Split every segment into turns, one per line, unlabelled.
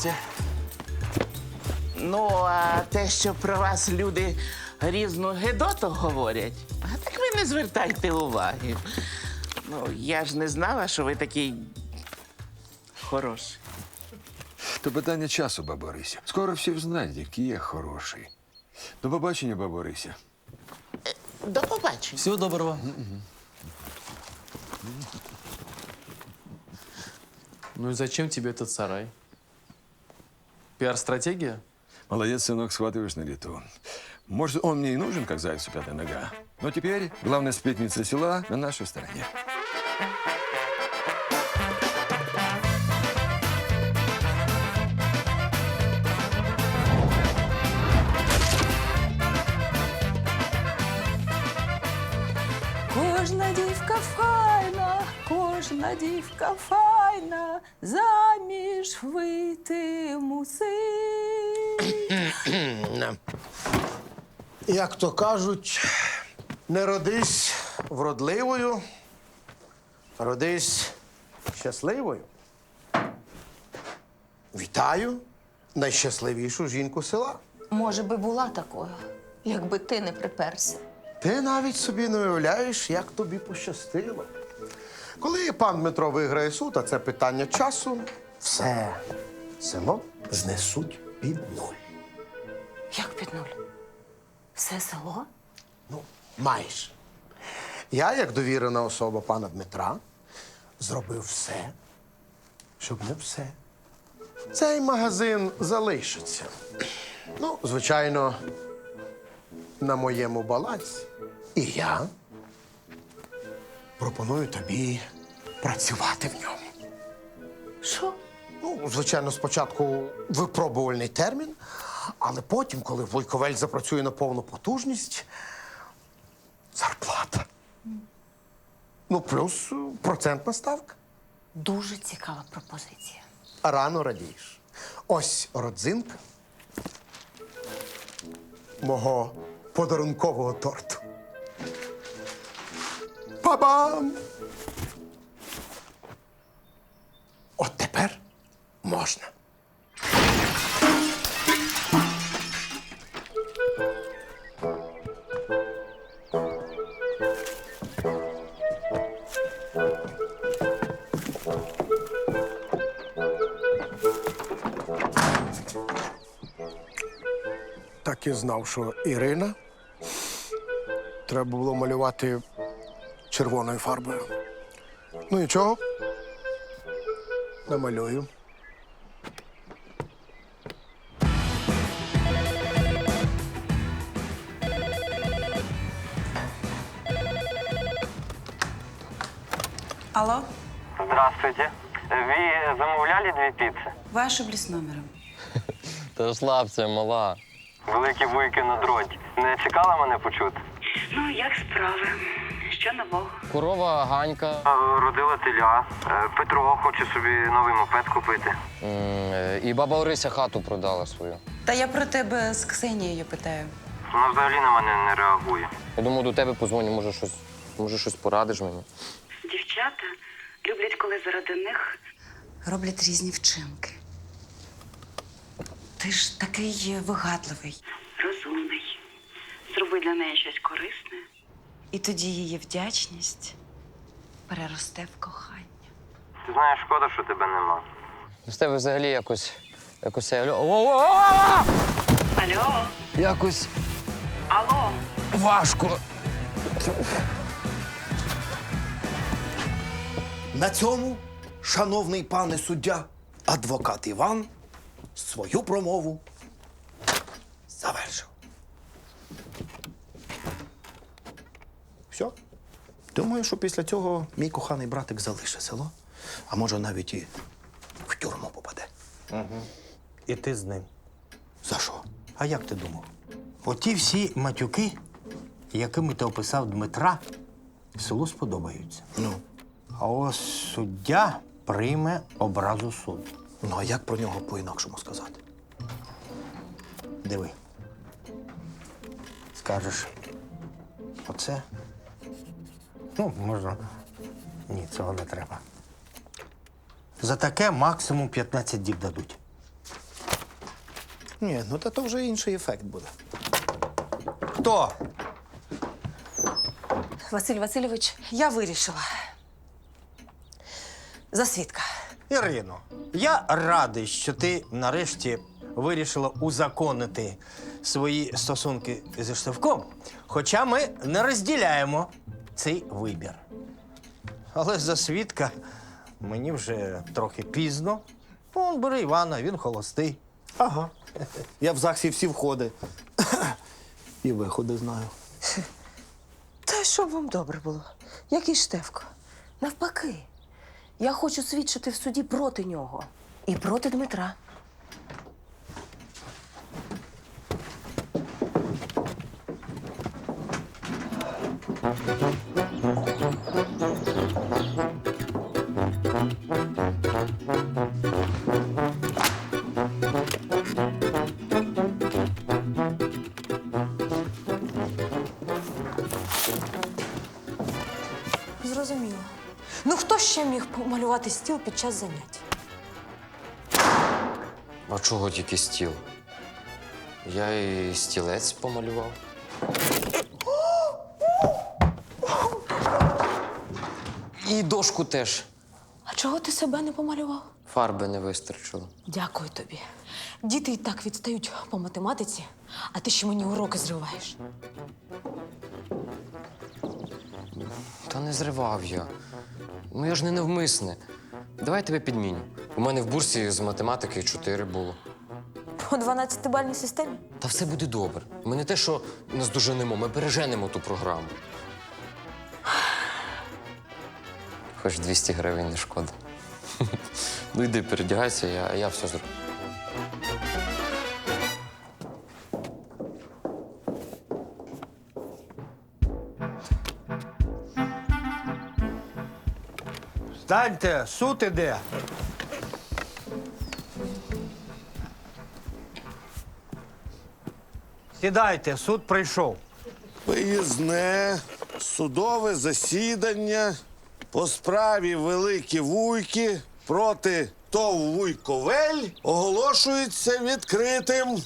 Бабуся.
Ну, а те, що про вас люди різну гидоту говорять, а так ви не звертайте уваги. Ну, я ж не знала, що ви такий хороший.
То питання часу, баба Орися. Скоро всі взнають, який я хороший. До побачення, баба Орися.
До побачення.
Всего доброго. Ну и зачем тебе этот сарай? Пиар-стратегия?
Молодец, сынок, схватываешь на лету. Может, он мне и нужен, как зайцу пятая нога. Но теперь главная сплетница села на нашей стороне.
Кожна дівка файна, кожна дівка файна, заміж вийти мусить.
Як то кажуть, не родись вродливою, родись щасливою. Вітаю найщасливішу жінку села.
Може би була такою, якби ти не приперся.
Ти навіть собі не уявляєш, як тобі пощастило. Коли пан Дмитро виграє суд, а це питання часу, все село знесуть під нуль.
Як під нуль? Все село?
Ну, майже. Я, як довірена особа пана Дмитра, зробив все, щоб не все. Цей магазин залишиться. Ну, звичайно, на моєму балансі. І я пропоную тобі працювати в ньому.
Що?
Ну, звичайно, спочатку випробувальний термін, але потім, коли Вуйковель запрацює на повну потужність, зарплата. Ну, плюс процентна ставка.
Дуже цікава пропозиція.
Рано радієш. Ось родзинка мого подарункового торту. Па-бам! От тепер можна. Так і знав, що Ірина треба було малювати червоною фарбою. Ну нічого, намалюю.
Алло,
Здравствуйте. Ви замовляли дві піци?
вы ошиблись номером.
Та розслабся, мала.
Великі вуйки на дроті. Не чекала мене почути?
Ну, як справи? Що нового?
Корова Ганька.
Родила теля. Петро хоче собі новий мопед купити.
І баба Орися хату продала свою.
Та я про тебе з Ксенією питаю.
Вона взагалі на мене не реагує.
Я думаю, до тебе позвоню, може щось порадиш мені.
Дівчата люблять, коли заради них роблять різні вчинки. Ти ж такий вигадливий. Розумний. Зроби для неї щось корисне. І тоді її вдячність переросте в кохання.
Ти знаєш, шкода, що тебе нема.
З тебе взагалі якось.
Алло?
Якось
Алло?
важко.
На цьому, шановний пане суддя, адвокат Іван свою промову завершив. Все. Думаю, що після цього мій коханий братик залишить село, а може навіть і в тюрму попаде.
І ти з ним.
За що?
А як ти думав? Оті всі матюки, якими ти описав Дмитра, селу сподобаються.
Ну.
А ось суддя прийме образу суду.
Ну, а як про нього по-інакшому сказати?
Диви. Скажеш, оце? Ну, можна. Ні, цього не треба. За таке максимум 15 діб дадуть.
Ні, ну то вже інший ефект буде.
Хто?
Василь Васильович, я вирішила. За свідка.
Ірино, я радий, що ти нарешті вирішила узаконити свої стосунки зі Штовком, хоча ми не розділяємо цей вибір. Але за свідка мені вже трохи пізно. Вон, бери Івана, він холостий.
Ага. Я в ЗАГСі всі входи. І виходи знаю.
Та щоб вам добре було. Який Штефко? Навпаки. Я хочу свідчити в суді проти нього. І проти Дмитра. Зрозуміло. Ну хто ще міг помалювати стіл під час занять?
А чого тільки стіл? Я і стілець помалював. І дошку теж.
А чого ти себе не помалював?
Фарби не вистачило.
Дякую тобі. Діти і так відстають по математиці, а ти ще мені уроки зриваєш.
Та не зривав я. Ну я ж не навмисне. Давай я тебе підміню. У мене в бурсі з математики 4 було.
По 12-бальній системі?
Та все буде добре. Ми не те, що наздоженемо, ми переженемо ту програму. Хоч 200 гривень не шкода. Ну йди, передягайся, я все зроблю.
Станьте, суд іде. Сідайте, суд прийшов.
Виїзне судове засідання по справі Великі Вуйки проти ТОВ «Вуйковель» оголошується відкритим.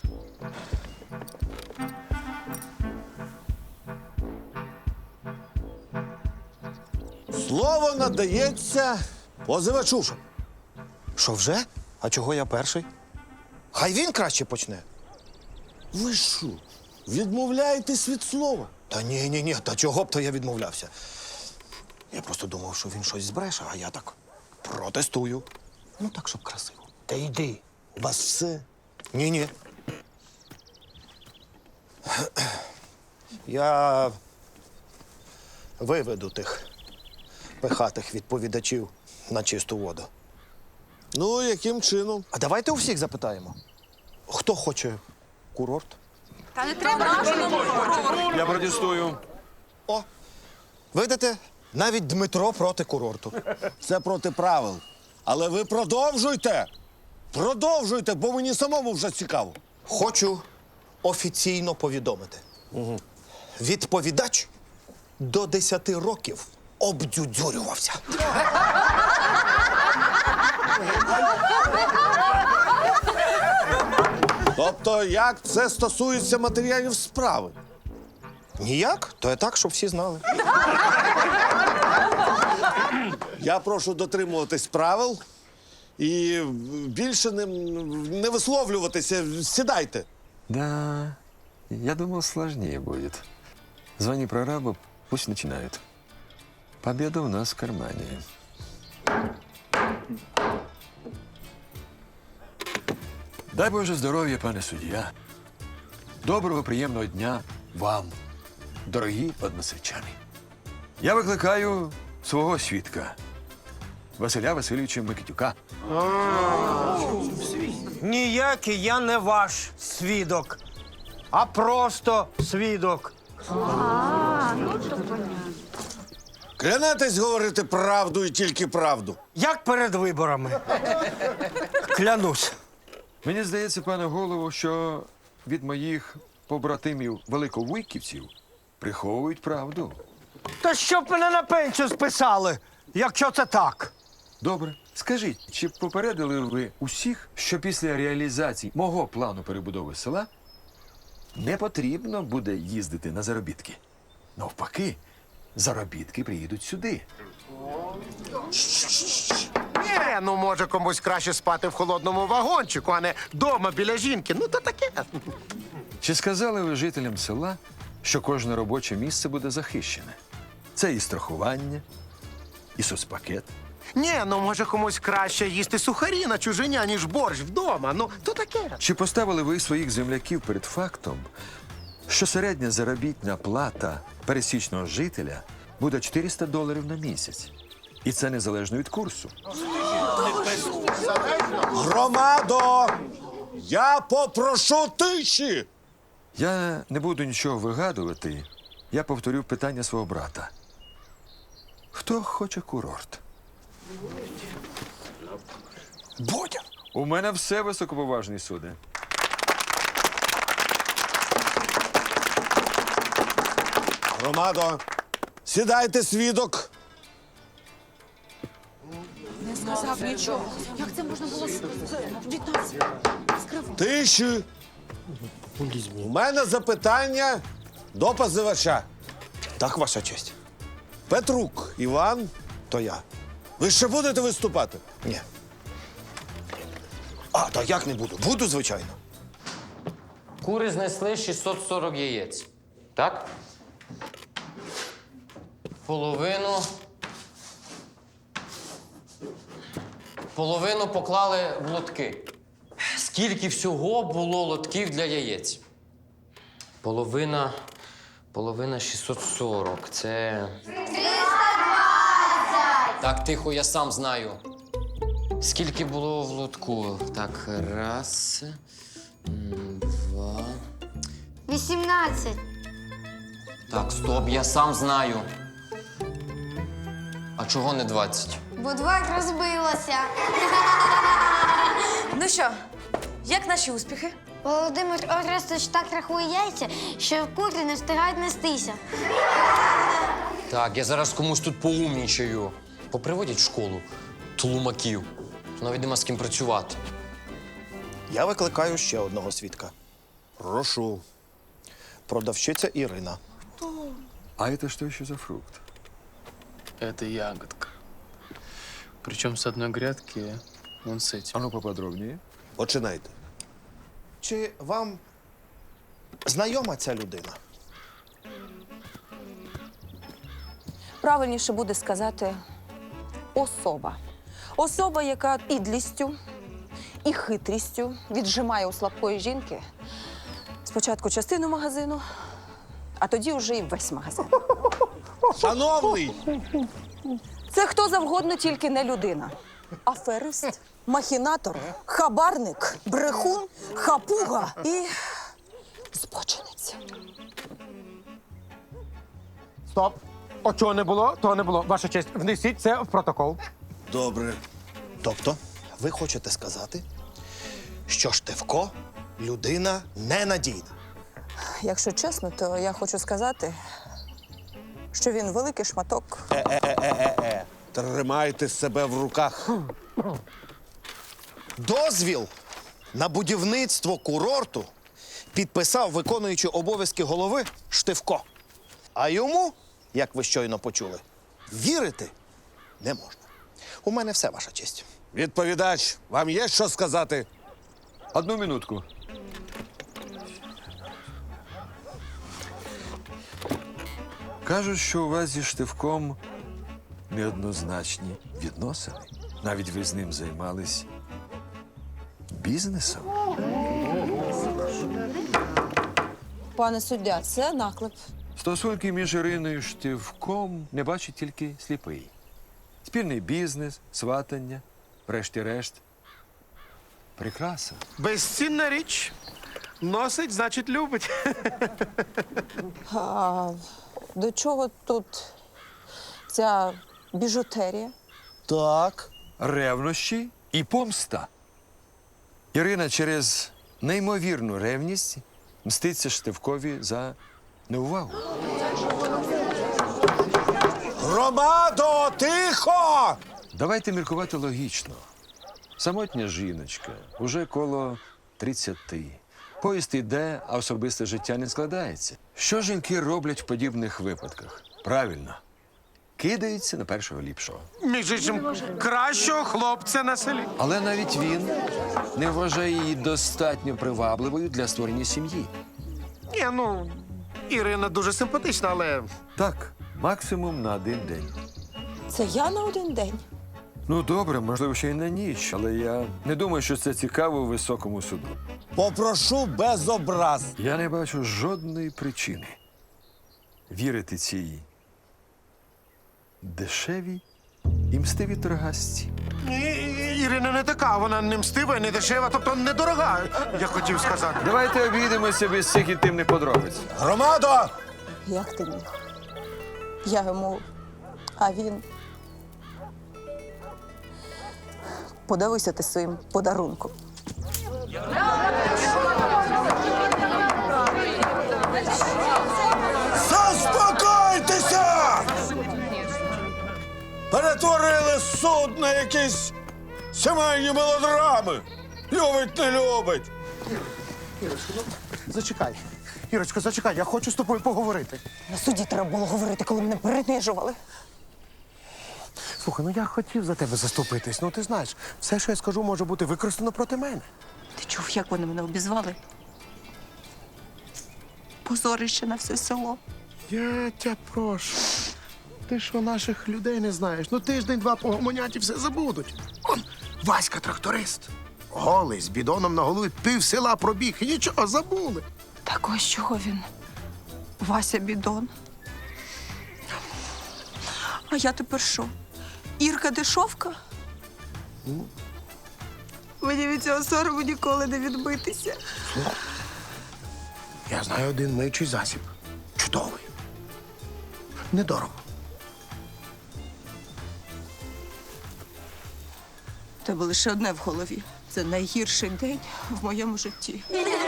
Слово надається позивачу.
Що вже? А чого я перший? Хай він краще почне.
Ви що, відмовляєтесь від слова?
Та ні, та чого б то я відмовлявся? Я просто думав, що він щось збреше, а я так протестую. Ну так, щоб красиво.
Та йди.
У вас все?
Ні. Я виведу тих пихатих відповідачів на чисту воду.
Ну, яким чином?
А давайте у всіх запитаємо. Хто хоче курорт?
Я протестую.
О, видите, навіть Дмитро проти курорту.
Це проти правил. Але ви продовжуйте! Продовжуйте, бо мені самому вже цікаво.
Хочу офіційно повідомити. Відповідач до 10 років обдюдюрювався.
Тобто, як це стосується матеріалів справи?
Ніяк, то є так, щоб всі знали.
Я прошу дотримуватись правил і більше не висловлюватися. Сідайте.
Да, я думал, сложнее будет. Звони прорабу, пусть начинают. Победа у нас в кармане. Дай Боже здоров'я, пане суддя. Доброго, приємного дня вам, дорогі односельчани. Я викликаю свого свідка, Василя Васильовича Микитюка.
Ніякий я не ваш свідок, а просто свідок.
Клянетесь говорити правду і тільки правду.
Як перед виборами. Клянусь.
Мені здається, пане голово, що від моїх побратимів великовуйківців приховують правду.
Та щоб мене на пенсію списали, якщо це так.
Добре, Скажіть, чи попередили ви усіх, що після реалізації мого плану перебудови села не потрібно буде їздити на заробітки? Навпаки, заробітки приїдуть сюди.
Ні, ну може комусь краще спати в холодному вагончику, а не дома біля жінки. Ну то таке.
Чи сказали ви жителям села, що кожне робоче місце буде захищене? Це і страхування, і соцпакет.
Ні, ну може комусь краще їсти сухарі на чужиня, ніж борщ вдома. Ну то таке.
Чи поставили ви своїх земляків перед фактом, що середня заробітна плата пересічного жителя буде $400 на місяць? І це незалежно від курсу.
Громадо! Я попрошу тиші!
Я не буду нічого вигадувати. Я повторю питання свого брата. Хто хоче курорт?
Бодя!
У мене все високоповажні суди.
Громадо, сідайте, свідок.
Не сказав нічого. Як це можна було від нас скривати?
Тиші. У мене запитання до позивача.
Так, ваша честь.
Петрук Іван, то я. Ви ще будете виступати?
Ні. А, та як не буду? Буду, звичайно.
Кури знесли 640 яєць. Так? Половину поклали в лотки. Скільки всього було лотків для яєць? Половина 640. Це. 320! Так, тихо, я сам знаю. Скільки було в лотку? Так, раз, два.
18.
Так, стоп, я сам знаю. А чого не 20?
Бо 2 розбилося.
Ну що, як наші успіхи?
Володимир Орестович так рахує яйця, що кури не встигають нестися.
Так, я зараз комусь тут поумнічаю. Поприводять в школу тлумаків. Навіть нема з ким працювати.
Я викликаю ще одного свідка.
Прошу.
Продавщиця Ірина.
А это что еще за фрукт?
Это ягодка. Причем с одной грядки вон с этим.
А ну поподробнее.
Починайте.
Чи вам знайома ця людина?
Правильніше буде сказати особа. Особа, яка підлістю і хитрістю віджимає у слабкої жінки спочатку частину магазину, а тоді вже і весь магазин.
Шановний!
Це хто завгодно, тільки не людина. Аферист, махінатор, хабарник, брехун, хапуга і збочинець.
Стоп. О, чого не було, того не було. Ваша честь, внесіть це в протокол.
Добре.
Тобто, ви хочете сказати, що Штефко людина ненадійна?
Якщо чесно, то я хочу сказати, що він великий шматок.
Тримайте себе в руках.
Дозвіл на будівництво курорту підписав виконуючий обов'язки голови Штефко. А йому, як ви щойно почули, вірити не можна. У мене все, ваша честь.
Відповідач, вам є що сказати?
Одну минутку. Кажуть, що у вас зі Штивком неоднозначні відносини. Навіть ви з ним займались бізнесом.
Пане суддя, це наклеп.
Стосунки між Іриною і Штивком не бачить тільки сліпий. Спільний бізнес, сватання, врешті-решт. Прикраса.
Безцінна річ. Носить, значить, любить.
А до чого тут ця біжутерія?
Так.
Ревнощі і помста. Ірина через неймовірну ревність мститься Штивкові за неувагу.
Громадо, тихо!
Давайте міркувати логічно. Самотня жіночка, уже коло 30. Поїзд іде, а особисте життя не складається. Що жінки роблять в подібних випадках? Правильно. Кидаються на першого ліпшого.
Між іншим, кращого хлопця на селі.
Але навіть він не вважає її достатньо привабливою для створення сім'ї.
Ні, ну, Ірина дуже симпатична, але
Так, максимум на 1 день.
Це я на 1 день.
Ну, добре, можливо, ще й на ніч, але я не думаю, що це цікаво у високому суду.
Попрошу без образ.
Я не бачу жодної причини вірити цій дешевій і мстивій торгасці.
Ірина не така, вона не мстива і не дешева, тобто недорога, я хотів сказати.
Давайте обійдемося без цих інтимних подробиць.
Громадо!
Як ти міг? Я йому, а він. Подивися ти своїм подарунком.
Заспокойтеся! Перетворили суд на якісь сімейні мелодрами. Любить, не любить.
Зачекай. Ірочко, зачекай, я хочу з тобою поговорити.
На суді треба було говорити, коли мене принижували.
Слухай, ну я хотів за тебе заступитись. Ну ти знаєш, все, що я скажу, може бути використано проти мене.
Ти чув, як вони мене обізвали? Позорище на все село.
Я тебе прошу. Ти що наших людей не знаєш? Ну тиждень-два погомонять і все забудуть. Он Васька тракторист. Голий, з бідоном на голові, пів села пробіг і нічого, забули.
Так ось чого він? Вася бідон. А я тепер що? Ірка дешовка? Мені від цього сорому ніколи не відбитися.
Я знаю один миючий засіб. Чудовий. Недорого.
У тебе лише одне в голові. Це найгірший день в моєму житті.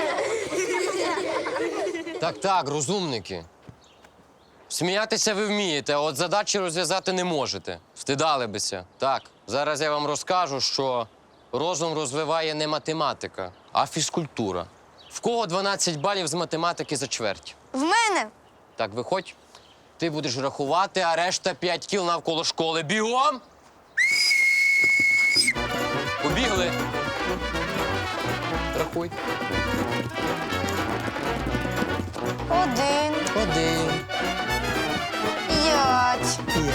Так, розумники. Сміятися ви вмієте, а от задачі розв'язати не можете. Встидалибися. Так, зараз я вам розкажу, що розум розвиває не математика, а фізкультура. В кого 12 балів з математики за чверть?
В мене
Так, виходь. Ти будеш рахувати, а решта 5 кіл навколо школи. Бігом! Побігли. Рахуй.
1, 5.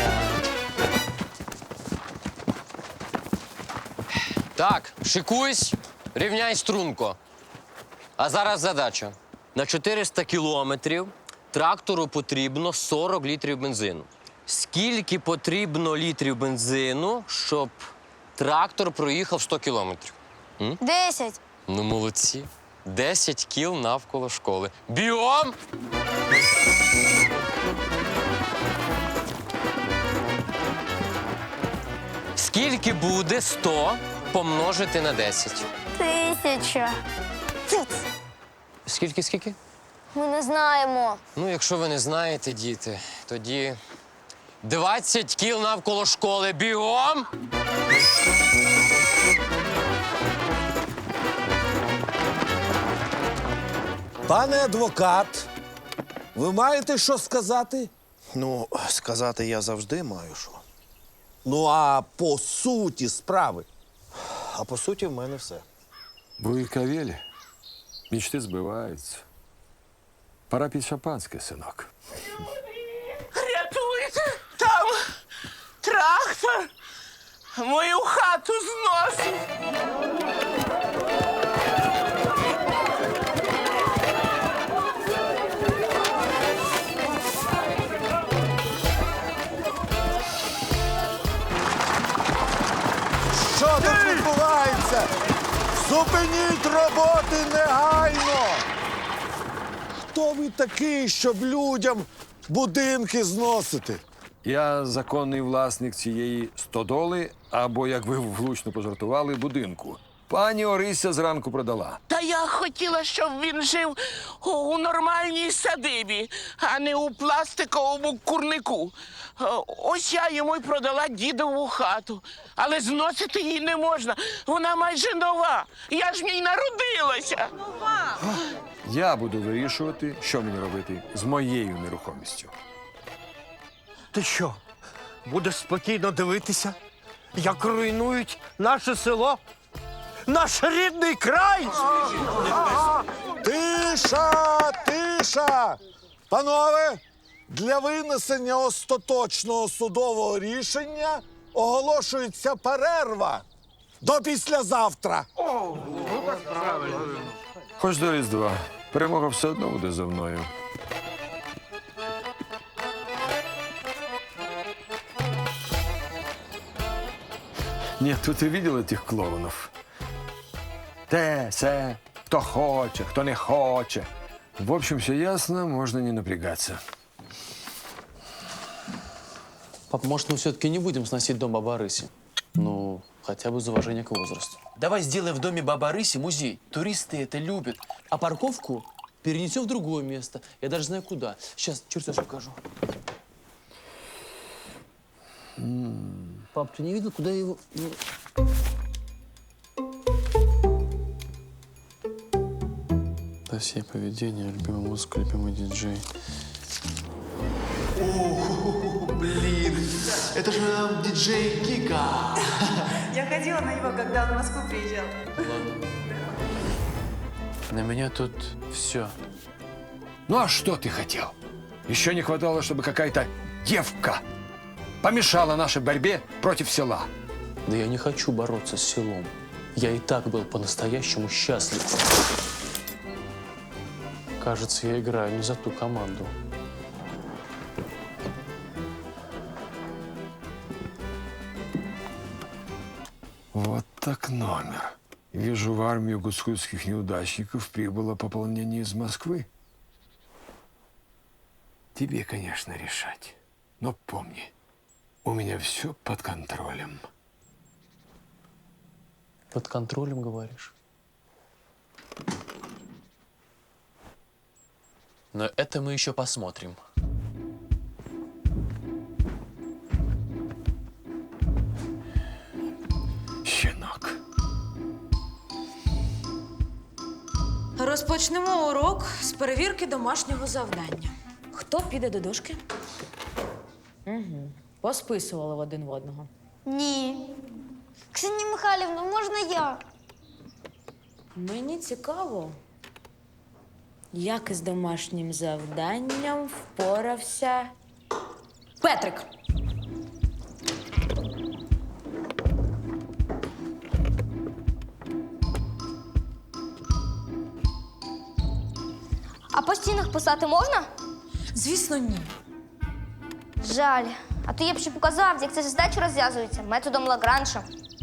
Так, шикуйсь, рівняй струнко. А зараз задача. На 400 кілометрів трактору потрібно 40 літрів бензину. Скільки потрібно літрів бензину, щоб трактор проїхав 100 кілометрів?
10.
Ну, молодці. 10 кіл навколо школи. Бігом! Скільки буде 100 помножити на 10?
1000.
Скільки?
Ми не знаємо.
Ну, якщо ви не знаєте, діти, тоді 20 кіл навколо школи. Бігом!
Пане адвокат, ви маєте що сказати?
Ну, сказати я завжди маю що.
Ну, а по суті справи.
А по суті, в мене все.
Буйкавілі. Мічти збиваються. Пора під шампанське, синок.
Рятуйте! Там трактор мою хату зносить.
Що тут відбувається? Зупиніть роботи негайно! Хто ви такий, щоб людям будинки зносити?
Я законний власник цієї стодоли, або, як ви влучно пожартували, будинку. Пані Орися зранку продала.
Та я хотіла, щоб він жив у нормальній садибі, а не у пластиковому курнику. Ось я йому й продала дідову хату. Але зносити її не можна. Вона майже нова. Я ж в ній народилася.
Я буду вирішувати, що мені робити з моєю нерухомістю.
Ти що, будеш спокійно дивитися, як руйнують наше село? Наш рідний край!
Тиша! Тиша! Панове, для винесення остаточного судового рішення оголошується перерва до післязавтра.
Хоч до Різдва. Перемога все одно буде за мною. Нет, тут и видел этих клоунов. Те, се, кто хочет, кто не хочет. В общем, все ясно, можно не напрягаться.
Пап, может, мы все-таки не будем сносить дом Бабы Арыси? Ну, хотя бы из уважения к возрасту.
Давай сделаем в доме Бабы Арыси музей. Туристы это любят. А парковку перенесем в другое место. Я даже знаю, куда. Сейчас чертеж покажу. Пап, ты не видел, куда я его...
Досье поведения, любимый музыка, любимый диджей.
О, блин, это же диджей Кика.
Я ходила на него, когда он в Москву приезжал.
На меня тут все.
Ну а что ты хотел? Еще не хватало, чтобы какая-то девка помешала нашей борьбе против села.
Да я не хочу бороться с селом. Я и так был по-настоящему счастлив. Кажется, я играю не за ту команду.
Вот так номер. Вижу, в армию гуцульских неудачников прибыло пополнение из Москвы. Тебе, конечно, решать. Но помни, у меня все под контролем.
Под контролем, говоришь?
Но это мы еще посмотрим.
Щенок.
Розпочнемо урок з перевірки домашнього завдання. Хто піде до дошки? Угу. Посписували в один в одного.
Ні. Ксенія Михайлівна, можна я?
Мені цікаво, як із домашнім завданням впорався Петрик.
А по стінах писати можна?
Звісно, ні.
Жаль. А то я б ще показав, як ця задача розв'язується методом Лагранжа.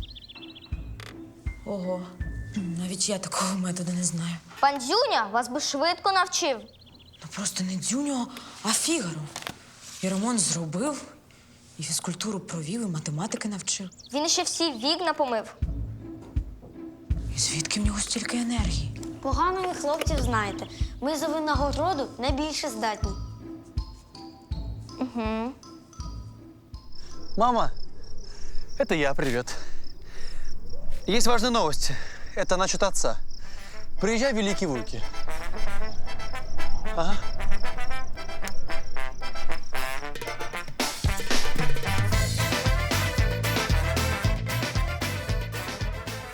Ого, навіть я такого методу не знаю.
Пан Дзюня вас би швидко навчив.
Ну просто не Дзюньо, а Фігаро. І ремонт зробив, і фізкультуру провів, і математики навчив.
Він ще всі вікна помив.
І звідки в нього стільки енергії?
Погано ви хлопців знаєте. Ми за винагороду найбільше здатні. Угу.
Мама, это я, привет. Есть важная новость. Это насчет отца. Приезжай в Великие Луки. Ага.